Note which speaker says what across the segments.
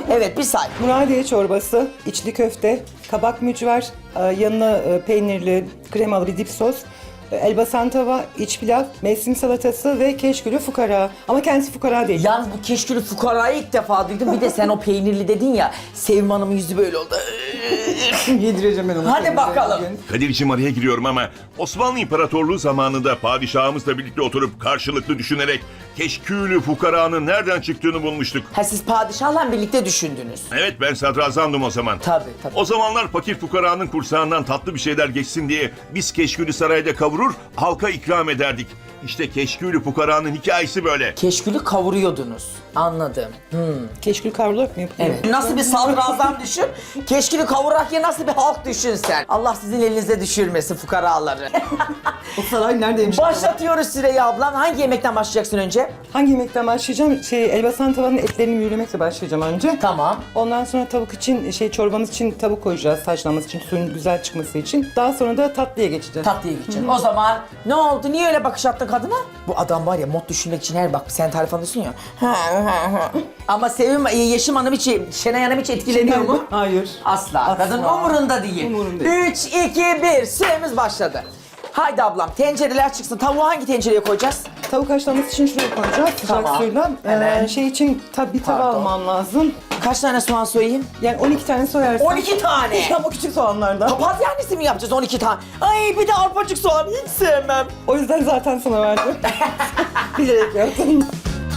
Speaker 1: Evet, bir say.
Speaker 2: Muradiye çorbası, içli köfte, kabak mücver, yanına peynirli, kremalı bir dip sos, elbasan tava, iç pilav, mevsim salatası ve keşkülü fukara. Ama kendisi fukara değil.
Speaker 1: Yalnız bu keşkülü fukarayı ilk defa duydum. Bir de sen o peynirli dedin ya. Sevim Hanım'ın yüzü böyle oldu.
Speaker 2: Yedireceğim ben onu.
Speaker 1: Hadi bakalım.
Speaker 3: Kadir'cim araya giriyorum ama Osmanlı İmparatorluğu zamanında padişahımızla birlikte oturup karşılıklı düşünerek keşkülü fukaranın nereden çıktığını bulmuştuk.
Speaker 1: Ha, siz padişahla birlikte düşündünüz.
Speaker 3: Evet, ben sadrazamdım o zaman.
Speaker 1: Tabii.
Speaker 3: O zamanlar fakir fukaranın kursağından tatlı bir şeyler geçsin diye biz keşkülü sarayda kavurur, halka ikram ederdik. İşte keşkülü fukaranın hikayesi böyle.
Speaker 1: Keşkülü kavuruyordunuz. Anladım.
Speaker 2: Keşkül kavrularak mı yapılıyor?
Speaker 1: Evet. Nasıl bir sadrazam düşün. Keşkülü kavurarak ya nasıl bir halk düşün sen. Allah sizin elinize düşürmesin fukaraları.
Speaker 2: O saray neredeymiş?
Speaker 1: Başlatıyoruz Süreyya ablam. Hangi yemekten başlayacaksın önce?
Speaker 2: Hangi yemekten başlayacağım? Elbasan tavanın etlerini mühürlemekle başlayacağım önce.
Speaker 1: Tamam.
Speaker 2: Ondan sonra tavuk için, çorbamız için tavuk koyacağız haşlanması için, suyun güzel çıkması için. Daha sonra da tatlıya geçeceğiz.
Speaker 1: Tatlıya gideceğim. O zaman ne oldu? Niye öyle bakış attın kadına? Bu adam var ya mod düşünmek için her bak sen tarif alıyorsun ya. Ama Sevim Yeşim Hanım hiç, Şenay Hanım hiç etkileniyor mu?
Speaker 2: Hayır.
Speaker 1: Asla. Kadın umurunda değil.
Speaker 2: Umurunda değil.
Speaker 1: 3, 2, 1. Süremiz başladı. Haydi ablam tencereler çıksın. Tavuğu hangi tencereye koyacağız?
Speaker 2: Tavuk haşlanması için şuraya koyacağız sıcak
Speaker 1: Tamam.
Speaker 2: suyla.
Speaker 1: Hemen.
Speaker 2: Şey için bir tava
Speaker 1: Pardon.
Speaker 2: almam lazım.
Speaker 1: Kaç tane soğan soyayım?
Speaker 2: Yani 12 tane soyarsın.
Speaker 1: 12 tane.
Speaker 2: Ama küçük soğanlardan.
Speaker 1: Papatyanesi mi yapacağız 12 tane? Ay bir de arpacık soğan hiç sevmem.
Speaker 2: O yüzden zaten sana verdim. Bilerek yaptım.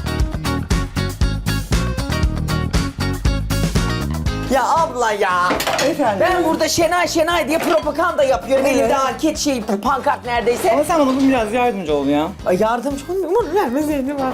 Speaker 1: Ya abla ya.
Speaker 2: Efendim.
Speaker 1: Ben burada Şenay diye propaganda yapıyorum.
Speaker 2: Evet.
Speaker 1: Elimde anket pankart neredeyse.
Speaker 2: Ama sen bana biraz yardımcı ol ya.
Speaker 1: Ay yardımcı olmuyor. Vermezeydim var.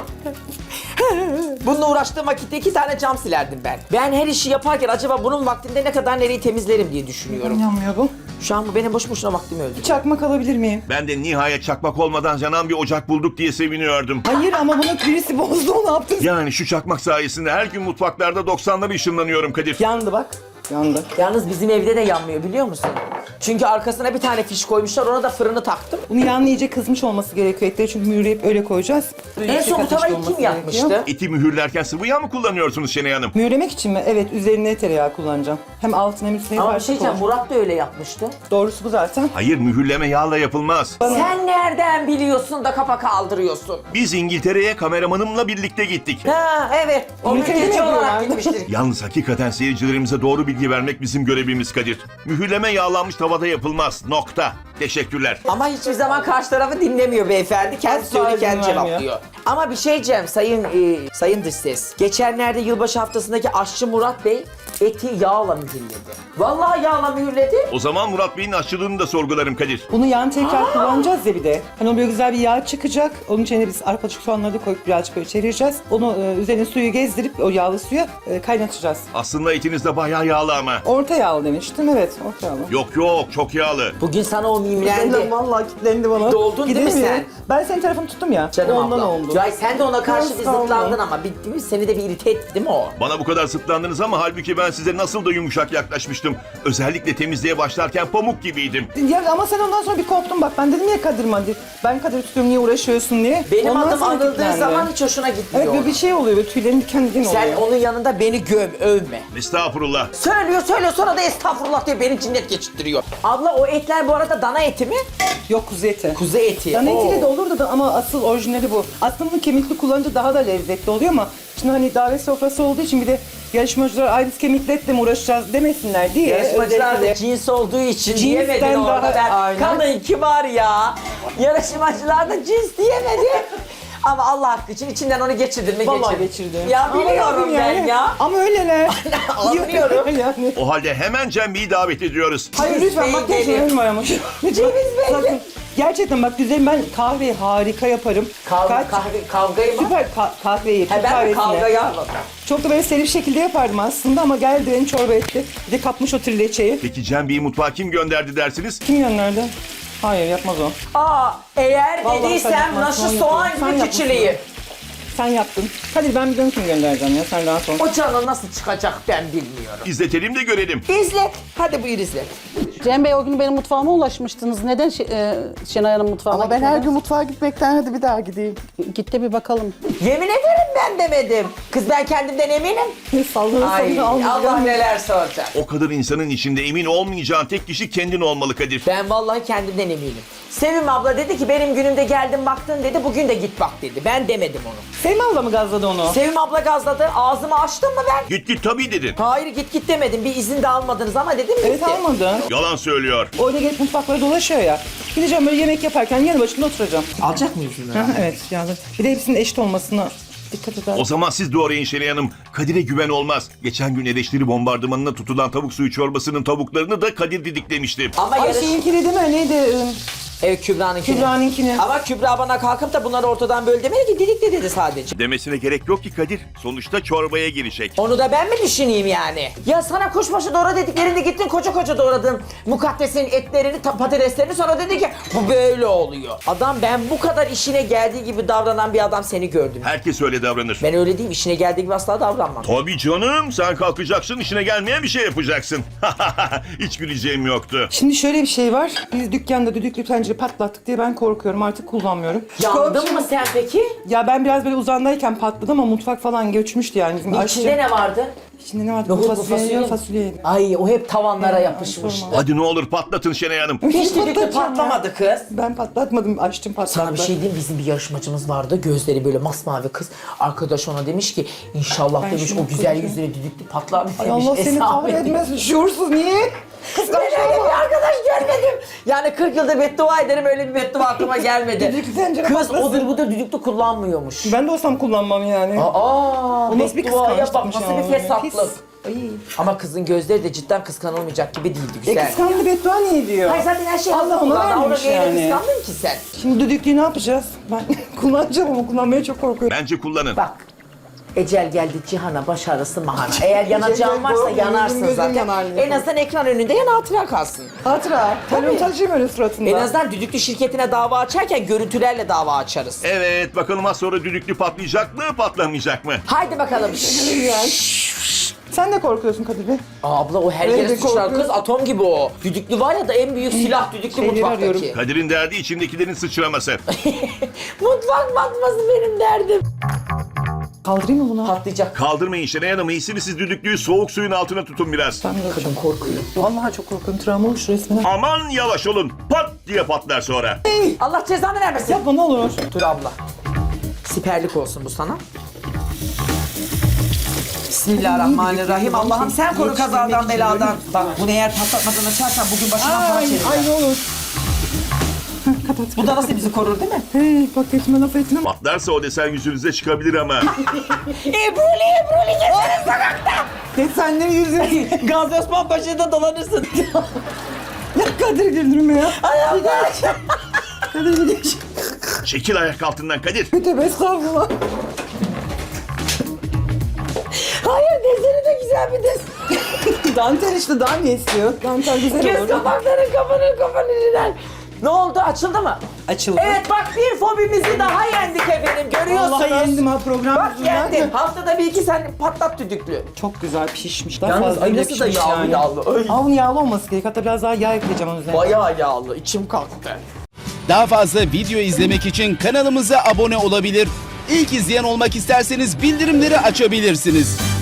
Speaker 1: Bununla uğraştığım vakitte 2 tane cam silerdim ben. Ben her işi yaparken acaba bunun vaktinde ne kadar nereyi temizlerim diye düşünüyorum.
Speaker 2: Yanmıyor bu.
Speaker 1: Şu an bu benim boş boşuna vaktimi öldü.
Speaker 2: Çakmak alabilir miyim?
Speaker 3: Ben de nihayet çakmak olmadan yanan bir ocak bulduk diye seviniyordum.
Speaker 2: Hayır ama bunu birisi bozdu, ne yaptın?
Speaker 3: Yani şu çakmak sayesinde her gün mutfaklarda 90'ları ışınlanıyorum Kadir.
Speaker 2: Yandı bak. Yandı.
Speaker 1: Yalnız bizim evde de yanmıyor biliyor musun? Çünkü arkasına bir tane fiş koymuşlar, ona da fırını taktım.
Speaker 2: Bunu yanlı iyice kızmış olması gerekiyor etleri çünkü mühürleyip öyle koyacağız.
Speaker 1: En son bu tavayı kim yapmıştı?
Speaker 3: Eti mühürlerken sıvı yağ mı kullanıyorsunuz Şenay Hanım?
Speaker 2: Mühürlemek için mi? Evet, üzerine tereyağı kullanacağım. Hem altına hem üstüne
Speaker 1: Ama bir
Speaker 2: karışık
Speaker 1: şey diyeceğim,
Speaker 2: olacak.
Speaker 1: Murat da öyle yapmıştı.
Speaker 2: Doğrusu bu zaten.
Speaker 3: Hayır, mühürleme yağla yapılmaz.
Speaker 1: Sen nereden biliyorsun da kafa kaldırıyorsun?
Speaker 3: Biz İngiltere'ye kameramanımla birlikte gittik.
Speaker 1: Ha evet, o
Speaker 2: İngiltere'de
Speaker 1: mülteci
Speaker 2: mi
Speaker 1: olarak
Speaker 2: yapıyorlar?
Speaker 1: gitmiştir.
Speaker 3: Yalnız hakikaten seyircilerimize doğru bilgi vermek bizim görevimiz Kadir. Mühürleme yağlanmış tavada yapılmaz. Nokta. Teşekkürler.
Speaker 1: Ama hiçbir zaman karşı tarafı dinlemiyor beyefendi. Kendi
Speaker 2: Asla
Speaker 1: söyle,
Speaker 2: izin
Speaker 1: kendi
Speaker 2: vermiyor.
Speaker 1: cevaplıyor. Ama bir şey diyeceğim sayın dış ses. Geçenlerde yılbaşı haftasındaki aşçı Murat Bey eti yağla mühürledi. Vallahi yağla mühürledi.
Speaker 3: O zaman Murat Bey'in aşçılığını da sorgularım Kadir.
Speaker 2: Bunu yan tekrar kullanacağız ya bir de. Hani o böyle güzel bir yağ çıkacak. Onun içine biz arpacık soğanları da koyup birazcık böyle çevireceğiz. Onu üzerine suyu gezdirip o yağlı suya kaynatacağız.
Speaker 3: Aslında etiniz de bayağı yağlı ama.
Speaker 2: Orta yağlı demiştim, evet orta yağlı.
Speaker 3: Yok çok yağlı.
Speaker 1: Bugün sana o mimlendi.
Speaker 2: Vallahi kilitlendi bana.
Speaker 1: Doldun değil mi
Speaker 2: Gidemiyorum.
Speaker 1: sen?
Speaker 2: Ben senin tarafını tuttum ya.
Speaker 1: Canım
Speaker 2: ondan
Speaker 1: abla.
Speaker 2: oldu.
Speaker 1: Cay sen de ona karşı bir
Speaker 2: Biraz kaldı.
Speaker 1: zıtlandın ama değil mi? Seni de bir irite etti değil mi o?
Speaker 3: Bana bu kadar sıtlandınız ama halbuki ben size nasıl da yumuşak yaklaşmıştım. Özellikle temizliğe başlarken pamuk gibiydim.
Speaker 2: Ya ama sen ondan sonra bir korktun bak. Ben dedim ya Kadir Madir. Ben Kadir tutuyorum niye uğraşıyorsun diye.
Speaker 1: Benim
Speaker 2: Ondan
Speaker 1: adım
Speaker 2: sonra
Speaker 1: anıldığı
Speaker 2: kilitlendi.
Speaker 1: zaman hiç hoşuna gitmiyor.
Speaker 2: Evet böyle bir şey oluyor. Böyle tüylerin diken diken oluyor.
Speaker 1: Sen onun yanında beni övme.
Speaker 3: Estağfurullah.
Speaker 1: Söylüyor sonra da estağfurullah diye beni cinnet geçirttiriyor. Abla o etler bu arada dana eti mi?
Speaker 2: Yok, kuzu eti.
Speaker 1: Kuzu eti.
Speaker 2: Dana etiyle de
Speaker 1: Oo.
Speaker 2: olurdu da ama asıl orijinali bu. Aslında bunu kemikli kullanınca daha da lezzetli oluyor ama şimdi hani davet sofrası olduğu için bir de yarışmacılar ay biz kemikli etle mi uğraşacağız demesinler diye.
Speaker 1: Yarışmacılar da
Speaker 2: özellikle-
Speaker 1: cins olduğu için
Speaker 2: Cinsten
Speaker 1: diyemedin orada
Speaker 2: daha-
Speaker 1: ben.
Speaker 2: aynen.
Speaker 1: Kadın kibar ya. Yarışmacılar da cins diyemedi. Ama Allah hakkı için içinden onu geçirdin mi
Speaker 2: Vallahi
Speaker 1: geçirdin.
Speaker 2: geçirdim.
Speaker 1: Ya
Speaker 2: Ama
Speaker 1: biliyorum
Speaker 2: yapayım
Speaker 1: ben
Speaker 2: yani.
Speaker 1: ya.
Speaker 2: Ama öyleler.
Speaker 1: Anlıyorum.
Speaker 2: yani.
Speaker 3: O halde hemen Cembi'yi davet ediyoruz.
Speaker 2: Hayır
Speaker 1: Ceviz
Speaker 2: lütfen
Speaker 1: Bey
Speaker 2: bak
Speaker 1: gelin.
Speaker 2: gerçekten var ama.
Speaker 1: Ceviz Bey
Speaker 2: Sakın.
Speaker 1: gelin.
Speaker 2: Gerçekten bak güzelim, ben kahveyi harika yaparım.
Speaker 1: Kavgayı mı?
Speaker 2: Süper kahveyi,
Speaker 1: Ha,
Speaker 2: Türk
Speaker 1: ben de
Speaker 2: kahvesini.
Speaker 1: kavgayı anladım.
Speaker 2: Çok da böyle seri bir şekilde yapardım aslında ama geldi beni çorba etti. Bir de kapmış o trileçeyi.
Speaker 3: Peki Cembi'yi mutfağa kim gönderdi dersiniz?
Speaker 2: Kim gönderdi? Hayır yapmaz o.
Speaker 1: Eğer
Speaker 2: Vallahi sen
Speaker 1: dediysem
Speaker 2: yapmazsın,
Speaker 1: naşı
Speaker 2: onu
Speaker 1: soğan
Speaker 2: yapıyorum. Sen
Speaker 1: gibi
Speaker 2: yapmışsın.
Speaker 1: küçüleyim.
Speaker 2: Sen yaptın. Hadi ben bir dönüşüm göndereceğim ya. Sen rahat ol.
Speaker 1: O canı nasıl çıkacak ben bilmiyorum.
Speaker 3: İzletelim de görelim.
Speaker 1: İzlet. Hadi buyur izlet.
Speaker 4: Cem Bey o gün benim mutfağıma ulaşmıştınız. Neden Şenay Hanım mutfağına
Speaker 5: Ama ben her
Speaker 4: gitmediniz?
Speaker 5: gün mutfağa gitmekten hadi bir daha gideyim.
Speaker 4: Git de bir bakalım.
Speaker 1: Yemin ederim ben demedim. Kız ben kendimden eminim.
Speaker 2: Sallana
Speaker 1: Ay
Speaker 2: sallana
Speaker 1: Allah neler soracak.
Speaker 3: O kadar insanın içinde emin olmayacağın tek kişi kendin olmalı Kadir.
Speaker 1: Ben vallahi kendimden eminim. Sevim abla dedi ki benim günümde geldin baktın dedi. Bugün de git bak dedi. Ben demedim onu.
Speaker 2: Sevim abla mı gazladı onu?
Speaker 1: Sevim abla gazladı. Ağzımı açtım mı ben?
Speaker 3: Git tabii dedin.
Speaker 1: Hayır git demedim. Bir izin de almadınız ama dedim gitti.
Speaker 2: Evet almadı.
Speaker 3: Yalan söylüyor.
Speaker 2: Öyle gelip mutfaklara dolaşıyor ya. Gideceğim böyle yemek yaparken yanı başında oturacağım.
Speaker 1: Alacak mıyız bunu?
Speaker 2: Ha, evet yani. Bir de hepsinin eşit olmasına dikkat eder.
Speaker 3: O zaman siz doğrayın Şenay Hanım. Kadir'e güven olmaz. Geçen gün eleştiri bombardımanına tutulan tavuk suyu çorbasının tavuklarını da Kadir didiklemişti.
Speaker 1: Ama
Speaker 2: Ay
Speaker 1: yarış...
Speaker 2: şeyinkini değil mi? Neydi?
Speaker 1: Evet Kübra'nınkini.
Speaker 2: Kübra'nınkini.
Speaker 1: Ama Kübra bana kalkıp da bunları ortadan böl demedi ki didikle dedi sadece.
Speaker 3: Demesine gerek yok ki Kadir. Sonuçta çorbaya girecek.
Speaker 1: Onu da ben mi düşüneyim yani? Ya sana kuşbaşı doğra dediklerinde gittin koca doğradın mukaddesin etlerini, patateslerini sonra dedi ki bu böyle oluyor. Adam ben bu kadar işine geldiği gibi davranan bir adam seni gördüm.
Speaker 3: Herkes öyle davranır.
Speaker 1: Ben öyle değilim, işine geldiği gibi asla davranmam.
Speaker 3: Tabii canım. Sen kalkacaksın, işine gelmeyen bir şey yapacaksın. Hiç güleceğim yoktu.
Speaker 2: Şimdi şöyle bir şey var. Biz dükkanda düdüklü tencere patlattık diye ben korkuyorum. Artık kullanmıyorum.
Speaker 1: Yandın mı sen peki?
Speaker 2: Ya ben biraz böyle uzandayken patladı ama mutfak falan göçmüştü yani. Bizim
Speaker 1: İçinde ne vardı?
Speaker 2: İçinde ne vardı?
Speaker 1: Nohut mu,
Speaker 2: Fasulye.
Speaker 1: fasulye? Ay o hep tavanlara yapışmış.
Speaker 2: sorma.
Speaker 3: Hadi ne olur patlatın Şenay Hanım.
Speaker 1: Hiç düdüklü
Speaker 2: Patlatacağım
Speaker 1: patlamadı kız.
Speaker 2: Ben patlatmadım, açtım patlattı.
Speaker 1: Sana bir şey diyeyim, bizim bir yarışmacımız vardı. Gözleri böyle masmavi kız. Arkadaş ona demiş ki inşallah
Speaker 2: Ben
Speaker 1: demiş
Speaker 2: şunu
Speaker 1: o güzel
Speaker 2: koyacağım.
Speaker 1: yüzüne düdüklü patlar demiş.
Speaker 2: Ay Allah seni
Speaker 1: Hesabı.
Speaker 2: kahretmesin. Şuursuz niye?
Speaker 1: Ben öyle bir arkadaş görmedim. Yani 40 yıldır beddua ederim, öyle bir beddua aklıma gelmedi.
Speaker 2: Düdüklü tencere
Speaker 1: Kız
Speaker 2: patlasın.
Speaker 1: odur budur düdüklü kullanmıyormuş.
Speaker 2: Ben de olsam kullanmam yani.
Speaker 1: Aa,
Speaker 2: O nasıl bir
Speaker 1: bedduaya bak,
Speaker 2: kıskançlıkmış
Speaker 1: nasıl
Speaker 2: ya.
Speaker 1: bir fesatlık.
Speaker 2: Pis. Ay.
Speaker 1: Ama kızın gözleri de cidden kıskanılmayacak gibi değildi,
Speaker 2: E
Speaker 1: güzel.
Speaker 2: kıskandı beddua niye diyor?
Speaker 1: Hayır zaten her şey
Speaker 2: Allah
Speaker 1: hazır
Speaker 2: ona
Speaker 1: kullandı. Ona
Speaker 2: vermiş
Speaker 1: neyine
Speaker 2: yani.
Speaker 1: kıskandın ki sen?
Speaker 2: Şimdi düdüklüyü ne yapacağız? Ben kullanacağım ama kullanmaya çok korkuyorum.
Speaker 3: Bence kullanın.
Speaker 1: Bak. Ecel geldi cihana, baş ağrısı mahana. Eğer yanacağın varsa
Speaker 2: Gözüm
Speaker 1: yanarsın
Speaker 2: gözüm
Speaker 1: zaten.
Speaker 2: yanar.
Speaker 1: En azından ekran önünde yan hatıra kalsın.
Speaker 2: Hatıra. Telefon taşıyayım öyle suratında.
Speaker 1: En azından düdüklü şirketine dava açarken görüntülerle dava açarız.
Speaker 3: Evet, bakalım az sonra düdüklü patlayacak mı, patlamayacak mı?
Speaker 1: Haydi bakalım.
Speaker 2: Sen de korkuyorsun Kadir Bey.
Speaker 1: Abla o her
Speaker 2: Öyle
Speaker 1: yere
Speaker 2: bir
Speaker 1: sıçrar
Speaker 2: korkuyorum.
Speaker 1: kız, atom gibi o. Düdüklü var ya da en büyük silah düdüklü
Speaker 2: Şeyleri
Speaker 1: mutfaktaki.
Speaker 2: arıyorum.
Speaker 3: Kadir'in derdi içindekilerin sıçraması.
Speaker 1: Mutfak batması benim derdim.
Speaker 2: Kaldırayım mı bunu?
Speaker 1: Patlayacak.
Speaker 3: Kaldırmayın Şenay Hanım, iyisi mi siz düdüklüyü soğuk suyun altına tutun biraz.
Speaker 2: Ben de
Speaker 1: Kadın korkuyor.
Speaker 2: Vallahi çok korkuyorum. Travma olmuş resmen.
Speaker 3: Aman yavaş olun, pat diye patlar sonra.
Speaker 1: Allah cezanı vermesin.
Speaker 2: Yapma ne olur.
Speaker 1: Dur abla. Siperlik olsun bu sana. Bismillahirrahmanirrahim. Allah'ım sen koru kazadan beladan. Bak bunu eğer patlatmadan açarsan bugün başına falan
Speaker 2: Ay,
Speaker 1: çevirir.
Speaker 2: ay ne olur.
Speaker 1: Bu da nasıl bizi korur değil mi?
Speaker 2: Hey, bak etme laf etme.
Speaker 3: Patlarsa o desen yüzünüze çıkabilir ama.
Speaker 1: Ebruli gezeriz sokakta.
Speaker 2: Desenleri yüzü.
Speaker 1: Gazi Osman Paşa'da dolanırsın.
Speaker 2: Ya Kadir güldürme ya.
Speaker 1: Ay Allah.
Speaker 2: Kadir bir geç.
Speaker 3: Çekil ayak altından Kadir.
Speaker 2: Tövbe estağfurullah.
Speaker 1: Hayır deseni de güzel bir desen.
Speaker 2: Dantel işte daha ne istiyor? Dantel güzel
Speaker 1: Göz
Speaker 2: olur.
Speaker 1: kapakları kafanı. Ne oldu? Açıldı mı?
Speaker 2: Açıldı.
Speaker 1: Evet bak bir fobimizi daha yendik efendim. Görüyorsunuz.
Speaker 2: Allah yendim ha program
Speaker 1: Bak
Speaker 2: yüzünden.
Speaker 1: yendin. Haftada bir iki sen patlat düdüklü.
Speaker 2: Çok güzel pişmiş. Daha
Speaker 1: Yalnız
Speaker 2: fazla
Speaker 1: ay
Speaker 2: bile
Speaker 1: nasıl da
Speaker 2: pişmiş
Speaker 1: yağlı
Speaker 2: yani.
Speaker 1: yağlı. Ay.
Speaker 2: Avun yağlı olması gerek. Hatta biraz daha yağ ekleyeceğim onun üzerine.
Speaker 1: Bayağı yağlı. İçim kalktı.
Speaker 6: Daha fazla video izlemek için kanalımıza abone olabilir. İlk izleyen olmak isterseniz bildirimleri açabilirsiniz.